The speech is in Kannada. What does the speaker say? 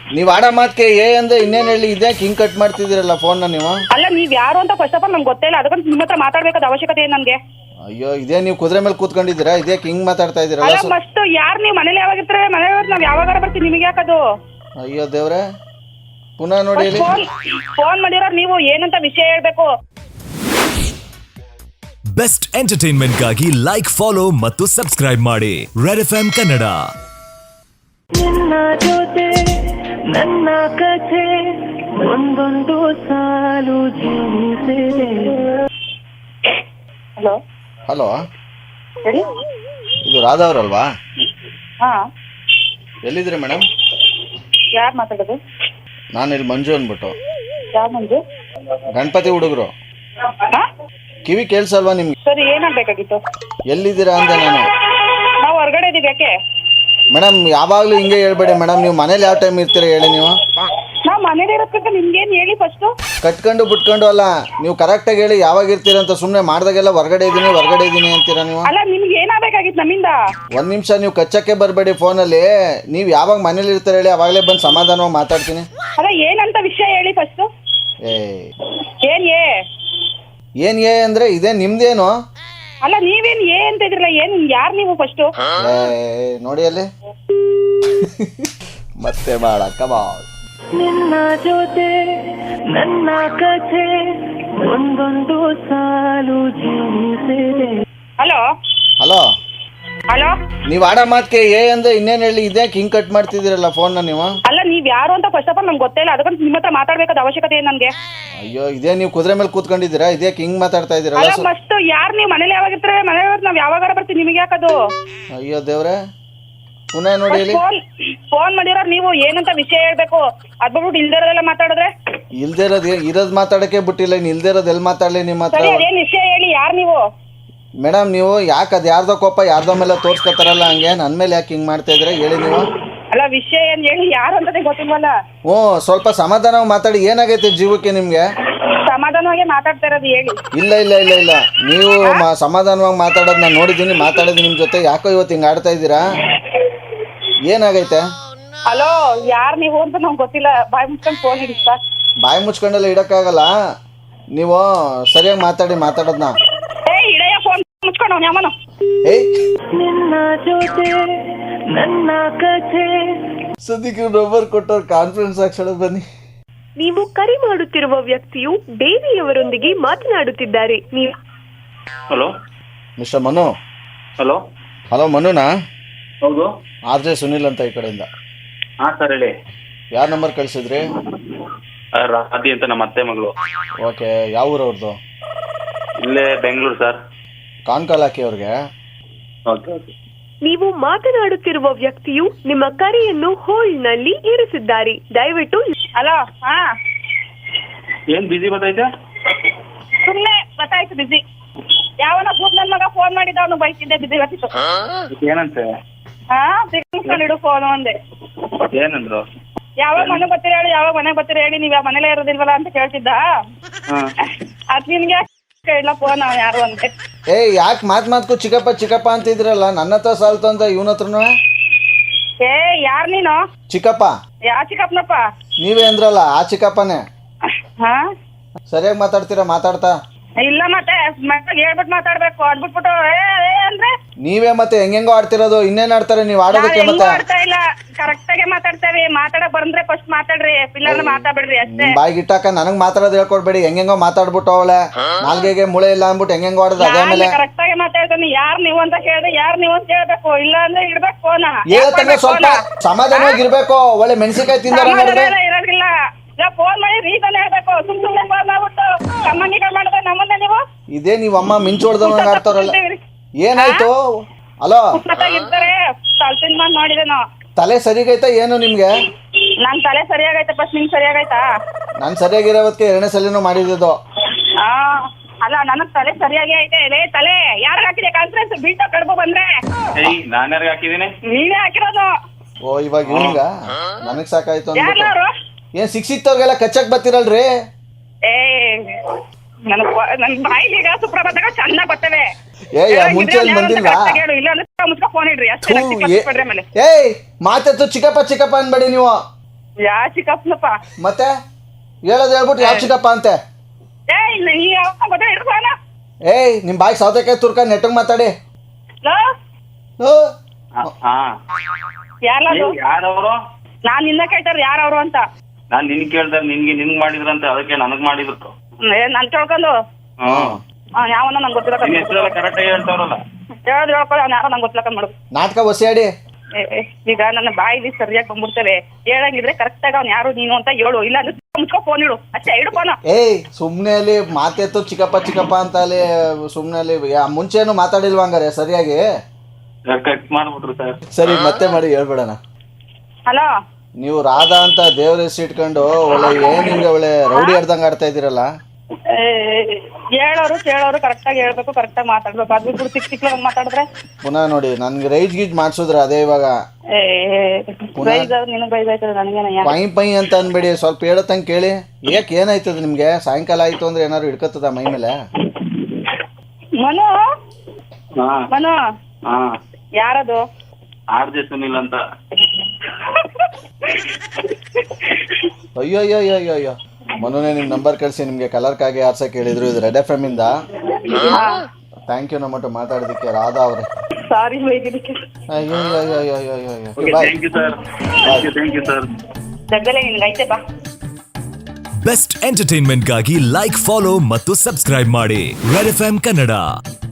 ನೀವ್ ಆಡ ಮಾತ್ಕೆ ಏ ಅಂದ್ರೆ ಇನ್ನೇನ್ ಹೇಳಿ ಇದ್ಯಾಕೆ ಹಿಂಗ್ ಕಟ್ ಮಾಡ್ತಿದ್ದೀರಲ್ಲ ಫೋನ್ ನೀವು? ಅಲ್ಲ ನೀವ್ ಯಾರು ಅಂತ ಫಸ್ಟ್ ಆಫ್ ಆಲ್ ನಮ್ಗೆ ಗೊತ್ತೇ ಇಲ್ಲ, ಅದಕ್ಕೆ ನಿಮ್ಮ ಹತ್ರ ಮಾತಾಡ್ಬೇಕಾದ ಅವಶ್ಯಕತೆ ಏನು ನನ್ಗೆ? ಅಯ್ಯೋ ಇದೇ ನೀವು ಕುದುರೆ ಮೇಲೆ ಕೂತ್ಕೊಂಡಿದ್ದೀರಾ, ಇದ್ಯಾಕೆ ಹಿಂಗ್ ಮಾತಾಡ್ತಾ ಅಲ್ಲ ಇದೀರಲ್ಲ? ಮಸ್ತ್ ಯಾರು ನೀವು ಮನೇಲಿ ಯಾವಾಗ ಇರ್ತಾರೆ? ಮನೇಲಿ ನಾವ್ ಯಾವಾಗ ಬರ್ತೀವಿ, ನಿಮಗೆ ಯಾಕದು? ಅಯ್ಯೋ ದೇವ್ರೆ, ಪುನಃ ನೋಡಿ ಹೇಳಿ. ಫೋನ್ ಮಾಡಿರೋರು ನೀವು ಏನಂತ ವಿಷಯ ಹೇಳ್ಬೇಕು. ಬೆಸ್ಟ್ ಎಂಟರ್ಟೈನ್ಮೆಂಟ್ಗಾಗಿ ಲೈಕ್, ಫಾಲೋ ಮತ್ತು ಸಬ್ಸ್ಕ್ರೈಬ್ ಮಾಡಿ ರೆಡ್ ಎಫ್ಎಂ ಕನ್ನಡ. ನಿನ್ನ ಜೊತೆ ನನ್ನ ಕಥೆ ಒಂದೊಂದು ಸಾಲು ಜೀವಿಸಿದೆ. ಹಲೋ ಹಲೋ, ಹೇಳಿ. ಇದು ರಾಧಾ ಅವರಲ್ವಾ? ಹಾ, ಎಲ್ಲಿದ್ರಿ ಮೇಡಮ್? ಯಾರು ಮಾತಾಡೋದು? ನಾನು ಇಲ್ಲಿ ಮಂಜು ಅಂದ್ಬಿಟ್ಟು. ಯಾರು ಮಂಜು? ಗಣಪತಿ ಹುಡುಗರು. ಹಾ, ಕಿವಿ ಕೇಳಿಸಲ್ವಾ ನಿಮ್ಗೆ? ಸರಿ, ಏನಾಗಬೇಕಾಗಿತ್ತು? ಎಲ್ಲಿದ್ದೀರಾ ಅಂದೆ ನಾನು. ನಾವು ಹೊರಗಡೆ ಇದೀವಿ. ಯಾಕೆ ಮೇಡಮ್ ಯಾವಾಗಲೂ ಹಿಂಗೆ ಹೇಳ್ಬೇಡಿ ಮೇಡಮ್. ನೀವು ಮನೇಲಿ ಯಾವ ಟೈಮ್ ಇರ್ತೀರಾ ಹೇಳಿ ನೀವು? ನಾವು ಮನೇಲಿ ಇರೋದಕ್ಕೆ ನಿಮ್ಗೇನು ಹೇಳಿ ಫಸ್ಟು? ಕಟ್ಕೊಂಡು ಬಿಟ್ಕೊಂಡು ಅಲ್ಲ, ನೀವು ಕರೆಕ್ಟಾಗಿ ಹೇಳಿ ಯಾವಾಗ ಇರ್ತೀರಂತ. ಸುಮ್ಮನೆ ಮಾಡಿದಾಗೆಲ್ಲ ಹೊರಗಡೆ ಇದ್ದೀನಿ ಅಂತೀರಾ ನೀವು. ಅಲ್ಲ ನಿಮ್ಗೆ ಏನಾಗಬೇಕಾಗಿತ್ತು ನಮ್ಮಿಂದ? ಒಂದು ನಿಮಿಷ ನೀವು ಕಚ್ಚಕ್ಕೆ ಬರಬೇಡಿ ಫೋನಲ್ಲಿ. ನೀವು ಯಾವಾಗ ಮನೇಲಿ ಇರ್ತೀರ ಹೇಳಿ, ಅವಾಗಲೇ ಬಂದು ಸಮಾಧಾನವಾಗಿ ಮಾತಾಡ್ತೀನಿ. ಅಲ್ಲ ಏನಂತ ವಿಷಯ ಹೇಳಿ ಫಸ್ಟು. ಏನ್ ಏ ಅಂದ್ರೆ ಇದೇ ನಿಮ್ದೇನು? ಅಲ್ಲ ನೀವೇನ್ ಅಂತ ಇದ್ರಲ್ಲ, ಏನ್ ಯಾರು ನೀವು ಫಸ್ಟು? ನೋಡಿ ಅಲ್ಲಿ ಮತ್ತೆ ಮಾಡಕ್ಕ ಬಾ. ನಿನ್ನ ಜೊತೆ ನನ್ನ ಕಥೆ ಒಂದೊಂದು ಸಾಲು ಜೀವಿಸಿದೆ. ಹಲೋ ಹಲೋ ಹಲೋ, ನೀವ್ ಆಡ ಮಾತ್ಕೆ ಏ ಅಂದ್ರೆ ಇನ್ನೇನ್ ಹೇಳಿ ಇದ್ಯಾಕೆ ಹಿಂಗ್ ಕಟ್ ಮಾಡ್ತಿದ್ದೀರಲ್ಲ ಫೋನ್ ನೀವು? ಅಲ್ಲ ನೀವ್ ಯಾರು ಅಂತ ಫಸ್ಟ್ ಆಫ್ ಆಲ್ ನಮ್ಗೆ ಗೊತ್ತೇ ಇಲ್ಲ, ಅದಕ್ಕೆ ನಿಮ್ಮ ಹತ್ರ ಮಾತಾಡ್ಬೇಕಾದ ಅವಶ್ಯಕತೆ ಏನು ನನ್ಗೆ? ಅಯ್ಯೋ ಇದೇ ನೀವು ಕುದುರೆ ಮೇಲೆ ಕೂತ್ಕೊಂಡಿದ್ದೀರಾ, ಇದ್ಯಾಕೆ ಹಿಂಗ್ ಮಾತಾಡ್ತಾ ಅಲ್ಲ ಇದೀರಲ್ಲ? ಮಸ್ತ್ ಯಾರು ನೀವು ಮನೇಲಿ ಯಾವಾಗ ಇರ್ತಾರೆ? ಮನೇಲಿ ನಾವ್ ಯಾವಾಗ ಬರ್ತೀವಿ, ನಿಮಗೆ ಯಾಕದು? ಅಯ್ಯೋ ದೇವ್ರೆ, ಪುನಃ ನೋಡಿ ಹೇಳಿ. ಫೋನ್ ಮಾಡಿರೋರು ನೀವು ಏನಂತ ವಿಷಯ ಹೇಳ್ಬೇಕು. ಅದ್ ಬಿಟ್ಬಿಟ್ಟು ಇಲ್ದಿರೋದೆಲ್ಲ ಮಾತಾಡಿದ್ರೆ? ಇಲ್ದೇ ಇರೋದ್ ಮಾತಾಡಕ್ಕೆ ಬಿಟ್ಟಿಲ್ಲ, ಇನ್ ಇಲ್ದೇ ಇರೋದ್ ಎಲ್ಲಿ ಮಾತಾಡ್ಲಿ ನಿಮ್ಮ ಹತ್ರ? ಸರಿ, ಅದೇನ್ ವಿಷಯ ಹೇಳಿ, ಯಾರು ನೀವು? ಮೇಡಮ್ ನೀವು ಯಾಕೆ ಅದು ಯಾರ್ದೋ ಕೋಪ ಯಾರ್ದೋ ಮೇಲೆ ತೋರ್ಸ್ಕೊತಾರಲ್ಲ, ಹಂಗೆ ನನ್ನ ಮೇಲೆ ಯಾಕೆ ಹಿಂಗೆ ಮಾಡ್ತಾ ಇದ್ರೆ ಹೇಳಿ ನೀವು? ಅಲ್ಲ ವಿಷಯ ಏನ್ ಹೇಳಿ, ಯಾರು ಅಂತಾನೆ ಗೊತ್ತಿಲ್ವಲ್ಲ. ಹ್ಞೂ, ಸ್ವಲ್ಪ ಸಮಾಧಾನವಾಗಿ ಮಾತಾಡಿ. ಏನಾಗೈತೆ ಜೀವಕ್ಕೆ ನಿಮಗೆ? ಸಮಾಧಾನವಾಗಿ ಮಾತಾಡ್ತಾ ಇರೋದು ಹೇಳಿ. ಇಲ್ಲ ಇಲ್ಲ ಇಲ್ಲ ಇಲ್ಲ, ನೀವು ಸಮಾಧಾನವಾಗಿ ಮಾತಾಡೋದು ನಾನು ನೋಡಿದ್ದೀನಿ, ಮಾತಾಡಿದ್ದೀನಿ ನಿಮ್ಮ ಜೊತೆ. ಯಾಕೋ ಇವತ್ತು ಹಿಂಗೆ ಆಡ್ತಾ ಇದ್ದೀರಾ? ಏನಾಗೈತೆ? ಹಲೋ, ಯಾರು ನೀವು ಅಂತ ನಮ್ಗೆ ಗೊತ್ತಿಲ್ಲ. ಬಾಯಿ ಮುಚ್ಕೊಂಡು ಫೋನ್ ಇಡಿ ಸರ್. ಬಾಯಿ ಮುಚ್ಕೊಂಡೆಲ್ಲ ಇಡೋಕ್ಕಾಗಲ್ಲ. ನೀವು ಸರಿಯಾಗಿ ಮಾತಾಡೋದನ್ನ. ಇಡೆಯ ಫೋನ್ ಮುಚ್ಕೊಂಡು ಅವ್ನು ಯಾವನು? ನಿನ್ನ ಜೊತೆ ನನ್ನ ಕಥೆ. ಸದ್ಯಕ್ಕೆ ನಂಬರ್ ಕೊಟ್ಟವ್ರು ಕಾನ್ಫರೆನ್ಸ್ ಹಾಕ್ಸೋಣ ಬನ್ನಿ. ನೀವು ಕರೆ ಮಾಡುತ್ತಿರುವ ವ್ಯಕ್ತಿಯು ದೇವಿಯವರೊಂದಿಗೆ ಮಾತನಾಡುತ್ತಿದ್ದಾರೆ. ನೀವು hello mister Manu? Hello hello ಮನುನಾ? ಹೌದು, ಆರ್.ಜೆ. ಸುನಿಲ್ ಅಂತ ಈ ಕಡೆಯಿಂದ. ಹಾಂ ಸರ್ ಹೇಳಿ. ಯಾರ ನಂಬರ್ ಕಳಿಸಿದ್ರಿ? ರಾಧಿ ಅಂತ ನಮ್ಮ ಅತ್ತೆ ಮಗಳು. ಓಕೆ, ಯಾವ ಊರು ಅವ್ರದ್ದು? ಇಲ್ಲೇ ಬೆಂಗಳೂರು ಸರ್. ಕಾನ್ಕಾಲ್ ಹಾಕಿ ಅವ್ರಿಗೆ. Okay okay. ನೀವು ಮಾತನಾಡುತ್ತಿರುವ ವ್ಯಕ್ತಿಯು ನಿಮ್ಮ ಕರೆಯನ್ನು ಹೋಲ್ಡ್ನಲ್ಲಿ ಇರಿಸಿದ್ದಾರೆ. ದಯವಿಟ್ಟು ಹಲೋ. ಹಾ, ಏನ್ ಬಿಸಿ ಬರ್ತೈತೆ? ಸುಮ್ಮನೆ ಗೊತ್ತಾಯ್ತು ಬಿಸಿ. ಯಾವನ ಬೂದ್ ನನ್ ಮಗ ಫೋನ್ ಮಾಡಿದ, ಅವನು ಬೈಕಿದ್ದೆ ಬಿಸಿ ಬರ್ತಿತ್ತು. ಏನಂತೆ? ಹಾ, ಇಡು ಫೋನ್ ಒಂದೇ. ಏನಂದ್ರು? ಯಾವಾಗ ಮನೆ ಬರ್ತೀರ ಹೇಳಿ, ಯಾವಾಗ ಮನೆಗೆ ಬರ್ತೀರ ಹೇಳಿ, ನೀವ್ ಯಾವ ಮನೇಲೇ ಇರೋದಿಲ್ವಲ್ಲ ಅಂತ ಕೇಳ್ತಿದ್ದ. ಅದ್ ನಿನ್ಗೆ ಇಲ್ಲ ಫೋನ್ ಯಾರು ಅಂತೆ. ಯಾಕೆ ಮಾತ್ಕು ಚಿಕ್ಕಪ್ಪ ಅಂತಿದ್ರಲ್ಲ, ನನ್ನ ಹತ್ರ ಸಾಲ್ತು ಅಂತ ಇವನ ಹತ್ರನು? ಯಾರ್ ನೀನು? ಚಿಕ್ಕಪ್ಪ. ಯಾ ಚಿಕ್ಕಪ್ಪನಪ್ಪ? ನೀವೇ ಅಂದ್ರಲ್ಲ ಆ ಚಿಕ್ಕಪ್ಪನೇ. ಹಾ, ಸರಿಯಾಗಿ ಮಾತಾಡ್ತಾ? ಇಲ್ಲ ಮತ್ತೆ ಹೇಳ್ಬಿಟ್ಟು ಮಾತಾಡ್ಬೇಕು. ಅದ್ಬಿಟ್ಬಿಟ್ಟು ಅಂದ್ರೆ ನೀವೇ ಮತ್ತೆ ಹೆಂಗೆಂಗೋ ಆಡ್ತಿರೋದು. ಇನ್ನೇನ್ ಆಡ್ತಾರೆ ನೀವು ಆಡೋದಕ್ಕೆ? ಮತ್ತೆ ಆಡ್ತಾ ಇಲ್ಲ, ಕರೆಕ್ಟ್ ಆಗಿ ಮಾತಾಡ್ತೇವೆ. ಮಾತಾಡಕ್ ಬಂದ್ರೆ ಫಸ್ಟ್ ಮಾತಾಡ್ರಿ, ಇಲ್ಲಾಂದ್ರೆ ಮಾತಾಡ್ಬಿಡ್ರಿ ಅಷ್ಟೇ. ಬಾಯಿಗೆ ಇಟ್ಟಾಕ ನನಗ್ ಮಾತಾಡೋದು ಹೇಳ್ಕೊಡ್ಬೇಡಿ. ಹೆಂಗೆಂಗೋ ಮಾತಾಡ್ಬಿಟ್ಟು ಅವಳೆ ನಾಲ್ಗೆಗೆ ಮುಳೆ ಇಲ್ಲ ಅಂದ್ಬಿಟ್ಟು ಹೆಂಗೆಂಗೋ ಆಡೋದು. ಅದೇ ಮೇಲೆ ಕರೆಕ್ಟ್ ಆಗಿ ಮಾತಾಡ್ತಾನೆ. ಯಾರ್ ನೀವು ಅಂತ ಕೇಳಿದ್ರೆ ಯಾರ್ ನೀವು ಅಂತ ಹೇಳ್ಬೇಕು, ಇಲ್ಲ ಅಂದ್ರೆ ಇಡ್ಬೇಕು ಫೋನ್. ಹೇಳ್ತಂದ್ರೆ ಸ್ವಲ್ಪ ಸಮಾಧಾನವಾಗಿರ್ಬೇಕು. ಒಳ್ಳೆ ಮೆಣಸಿನಕಾಯಿ ತಿಂದಾರ ಇರೋದಿಲ್ಲ. ಫೋನ್ ಮಾಡಿ ರೀಸನ್ ಹೇಳ್ಬೇಕು. ಸುಮ್ನೆ ಫೋನ್ ಮಾಡ್ಬಿಟ್ಟು ಕಮ್ಮಂಗಿಗಳು ಮಾಡಿದ್ರೆ ನಮ್ಮನ್ನೇ ನೀವು ಇದೇ ನೀವ್ ಅಮ್ಮ ಮಿಂಚೋಡ್ದವ್ ಆಡ್ತಾರಲ್ಲ. ಏನಾಯ್ತು? ಹಲೋ, ಇರ್ತಾರೆ ತಲ್ಪಿನ ಮಾಡ್ ನೋಡಿದೇನೋ. ತಲೆ ಸರಿಗೈತಾ ಏನು ನಿಮ್ಗೆ? ನನ್ ತಲೆ ಸರಿಯಾಗೈತೆ, ಫಸ್ಟ್ ನಿಂಗ್ ಸರಿಯಾಗೈತಾ? ನಾನ್ ಸರಿಯಾಗಿರೋದಕ್ಕೆ 2ನೇ ಸಲಿನೂ ಮಾಡಿದ್ದು. ಅಲ್ಲ ನನಗ್ ತಲೆ ಸರಿಯಾಗಿ ಐತೆ. ತಲೆ ಯಾರು ಹಾಕಿದೆ ಕಾನ್ಫರೆನ್ಸ್ ಬೀಟ ಕಡ್ಬೋ ಬಂದ್ರೆ? ನಾನು ಯಾರಿಗೆ ಹಾಕಿದ್ದೀನಿ? ನೀನೇ ಹಾಕಿರೋದು. ಓ, ಇವಾಗ ಇವಂಗ ನನಗ್ ಸಾಕಾಯ್ತು ಅಂದ್ಬಿಟ್ಟು. ಯಾರು ಏನ್ ಸಿಕ್ಸಿತ್ತವ್ರಿಗೆಲ್ಲ ಕಚ್ಚಕ್ ಬರ್ತಿರಲ್ರಿ? ನನ್ ಬಾಯಿಲೀಗ ಸುಪ್ರಭಾತಗಳು ಚೆನ್ನಾಗ್ ಬರ್ತವೆ. ಮುಂಚೆ ಬಂದಿಲ್ವಾ? ಇಲ್ಲ ಮುಚ್ಕ ಫೋನ್ ಇಡ್ರಿ ಅಷ್ಟೇ. ಮಾತೆತ್ತು ಚಿಕ್ಕಪ್ಪ ಅನ್ಬೇಡಿ ನೀವು. ಯಾ ಚಿಕ್ಕಪ್ಪನಪ್ಪ ಮತ್ತೆ ಹೇಳೋದು ಹೇಳ್ಬಿಟ್ಟು ಯಾವ ಚಿಕ್ಕಪ್ಪ ಅಂತೆ. ಏಯ್ ನೀ ಯಾವ ಗೊತ್ತಾ ಇಡ್ಕೋಣ ಏಯ್ ನಿಮ್ಮ ಬಾಯಿ ಸೌತೆಕಾಯಿ ತುರ್ಕ ನೆಟ್ಟಗೆ ಮಾತಾಡಿ. ಓ, ಹಾ ಯಾರದು ಯಾರವರು? ನಾನ್ ನಿನ್ನ ಕೇಳ್ತಾರ ಯಾರವ್ರು ಅಂತ. ನಾನ್ ನಿನ್ ಕೇಳ್ದಾರ ನಿನ್ಗ್ ಮಾಡಿದ್ರಂತೆ, ಅದಕ್ಕೆ ನನಗ್ ಮಾಡಿದ್ರು. ನಾನ್ ಕೇಳ್ಕೊಂಡು ಹ್ಮ್ ಯಾವನ ನಂಗೆ ಗೊತ್ತಿಲ್ಲ ನಿನ್ ಹೆಸರೆಲ್ಲ ಕರೆಕ್ಟ್ ಆಗಿ ಹೇಳ್ತಾವ್ರಲ್ಲ. ಹೇಳೋದು ಹೇಳ್ಕೊಳ್ಳಿ ಅವ್ನು ಯಾರೋ ನಂಗೆ ಗೊತ್ತಿಲ್ಲ ಮಾಡು. ನಾಟಕ ಒಸಿಯಾಡಿ. ಈಗ ನನ್ನ ಬಾಯಿಲಿ ಸರಿಯಾಗಿ ಬಂದ್ಬಿಡ್ತೇವೆ. ಹೇಳಂಗಿದ್ರೆ ಕರೆಕ್ಟ್ ಆಗಿ ಅವ್ನು ಯಾರು ನೀನು ಅಂತ ಹೇಳು, ಇಲ್ಲ ಅಂದ್ರೆ ಮುಚ್ಕೊ ಫೋನ್ ಇಡು ಅಷ್ಟೇ, ಇಡು ಫೋನ್. ಏಯ್ ಸುಮ್ಮನೆ ಅಲ್ಲಿ ಮಾತೆತ್ತು ಚಿಕ್ಕಪ್ಪ ಚಿಕ್ಕಪ್ಪ ಅಂತ ಅಲ್ಲಿ ಸುಮ್ಮನೆ ಅಲ್ಲಿ ಮುಂಚೆನು ಮಾತಾಡಿಲ್ವಾ ಹಂಗಾರೆ ಸರಿಯಾಗಿ? ಕಟ್ ಮಾಡ್ಬಿಟ್ರು ಸರ್. ಸರಿ ಮತ್ತೆ ಮಾಡಿ ಹೇಳ್ಬಿಡೋಣ. ಹಲೋ, ನೀವು ರಾಧಾ ಅಂತ ದೇವ್ರ ಹೆಸರು ಇಟ್ಕೊಂಡು ಒಳ್ಳೆ ಏನ್ ಹಿಂಗೆ ಒಳ್ಳೆ ರೌಡಿ ಹಿಡ್ದಂಗೆ ಆಡ್ತಾ ಇದ್ದೀರಲ್ಲ. ಹೇಳೋರು ಕೇಳೋರು ಕರೆಕ್ಟಾಗಿ ಹೇಳ್ಬೇಕು, ಕರೆಕ್ಟಾಗಿ ಮಾತಾಡ್ಬೇಕು. ಅದು ಬಿಟ್ಟು ಸಿಕ್ ಸಿಕ್ಲ ಮಾತಾಡಿದ್ರೆ ಪುನಃ ನೋಡಿ ನನ್ಗೆ ರೈಜ್ ಗೀಜ್ ಮಾಡ್ಸಿದ್ರ ಅದೇ ಇವಾಗ ಪ್ರೈಸ್ ನಿನಗೆ ಪ್ರೈಸ್ ಆಯ್ತದ ನನಗೇನ ಪೈ ಪೈ ಅಂತ ಅನ್ಬೇಡಿ, ಸ್ವಲ್ಪ ಹೇಳತ್ತಂಗೆ ಕೇಳಿ. ಏಕ್ ಏನಾಯ್ತದ ನಿಮ್ಗೆ? ಸಾಯಂಕಾಲ ಆಯ್ತು ಅಂದ್ರೆ ಏನಾದ್ರು ಹಿಡ್ಕತ್ತದ ಮೈ ಮೇಲೆ? ಮನು ಹಾ ಮನು ಹಾ ಯಾರದು? ಆರ್ಜೆ ಸುನಿಲ್ ಅಂತ. ಅಯ್ಯೋ ಅಯ್ಯೋ ಅಯ್ಯೋ ಅಯ್ಯೋ ಅಯ್ಯೋ ಮೊನ್ನೆ ನಿಮ್ ನಂಬರ್ ಕಳಿಸಿ ನಿಮ್ಗೆ ಕಲರ್ಕಾಗಿ ಆರ್ಸಕ್ಕೆ ಹೇಳಿದ್ರು. ಇದು ರೆಡ್ FM ಇಂದ. ಥ್ಯಾಂಕ್ ಯು ನಮ್ಮಟ್ಟು ಮಾತಾಡೋದಕ್ಕೆ ರಾಧಾ ಅವ್ರೆ. ಸಾರಿ ಬೈದಿದ್ದಕ್ಕೆ. ಅಯ್ಯೋ ಅಯ್ಯೋ ಅಯ್ಯೋ ಅಯ್ಯೋ ಅಯ್ಯೋ ಅಯ್ಯೋ okay, bye. Thank you sir. Thank you sir. ಜಗ್ಗಲೇ ನಿನ್ಗೆ ಐತೆ ಬಾ. ಬೆಸ್ಟ್ ಎಂಟರ್ಟೈನ್ಮೆಂಟ್ಗಾಗಿ ಲೈಕ್, ಫಾಲೋ ಮತ್ತು ಸಬ್ಸ್ಕ್ರೈಬ್ ಮಾಡಿ ರೆಡ್ FM ಕನ್ನಡ.